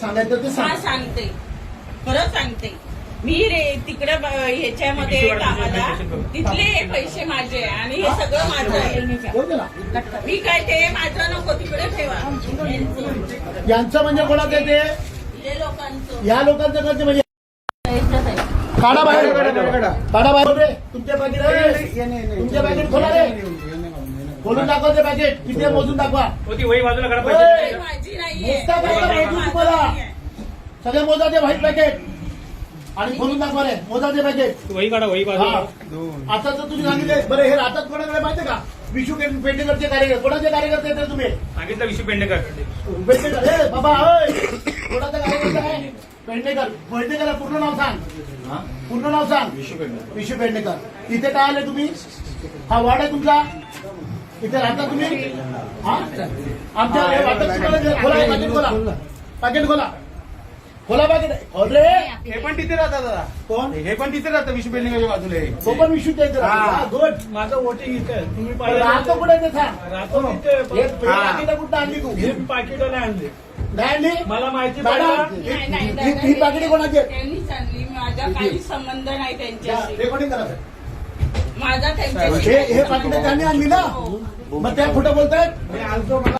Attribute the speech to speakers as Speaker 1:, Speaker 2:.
Speaker 1: सांगायचं ते सांग.
Speaker 2: सांगते, खरं सांगते. मी रे तिकडे ह्याच्यामध्ये कामाला तिथले पैसे माझे आणि हे सगळं माझं आहे. मी काय ते माझं नको तिकडे ठेवा.
Speaker 1: यांचं म्हणजे कोणाचं आहे ते?
Speaker 2: हे लोकांचं,
Speaker 1: या लोकांचं म्हणजे म्हणजे
Speaker 2: यांचंच आहे.
Speaker 1: काढा बाहेर, काढा बाहेर रे. तुमचे पॅकेट तुमचे पॅकेट खोला रे. खोलून दाखवा ते पॅकेट किती आहे मोजून दाखवा.
Speaker 3: वही बाजूला करा.
Speaker 2: हे माझी नाहीये.
Speaker 1: मोजता पाहिजे माहिती
Speaker 2: माझं
Speaker 1: तुम्हाला.
Speaker 2: नाहीये.
Speaker 1: सगळे मोजाचे व्हाईट पॅकेट आणि खोलून दाखवा रे मोजाचे पॅकेट.
Speaker 3: वही काढा, वही बाजूला.
Speaker 1: आता तर तुम्ही सांगितले. बरं हे राहतात कोणाकडे माहितीये का? विशू पेंडेकरचे कार्यकर्ते. कोणाचे कार्यकर्ते आहेत तुम्ही?
Speaker 3: सांगितलं विशू पेंडेकर.
Speaker 1: पेंडेकर हे बाबा होय. कोणाचा कार्यकर्ता आहे? पेंडेकर. पेंडेकर पूर्ण नाव सांग. पूर्ण नाव सांग. विशू पेंडेकर. इथे काय आले तुम्ही? हा वार्ड आहे तुमचा? इथे राहता तुम्ही? हा आमच्या खोला पाकिट खोला. पाकिट खोला. खोला पाकिट. रे
Speaker 4: हे पण तिथे राहतात दादा.
Speaker 1: कोण?
Speaker 4: हे पण तिथे राहतं विशू बिल्डिंगच्या बाजूला.
Speaker 1: तो पण विशू द्यायचं. गुड.
Speaker 5: माझं वोटिंग इथे आहे. तुम्ही
Speaker 1: राहतो कुठे ते सांग.
Speaker 5: राहतो तिथे.
Speaker 1: पाकिट कुठं आणली तू?
Speaker 5: हे पाकिटं नाही आणले.
Speaker 1: नाही आणली?
Speaker 5: मला माहिती
Speaker 1: मॅडम,
Speaker 5: पडलं.
Speaker 2: नाही,
Speaker 1: ही पाकिटे कोणाची आहेत?
Speaker 2: त्यांनीच आणली. माझा काही संबंध नाही त्यांच्याशी.
Speaker 1: रेकॉर्डिंग करा सर.
Speaker 2: माझा त्यांच्याशी
Speaker 1: हे पाकिटे त्यांनी आणली ना? मग त्या खोटं बोलतायत?
Speaker 5: मी आलतो मला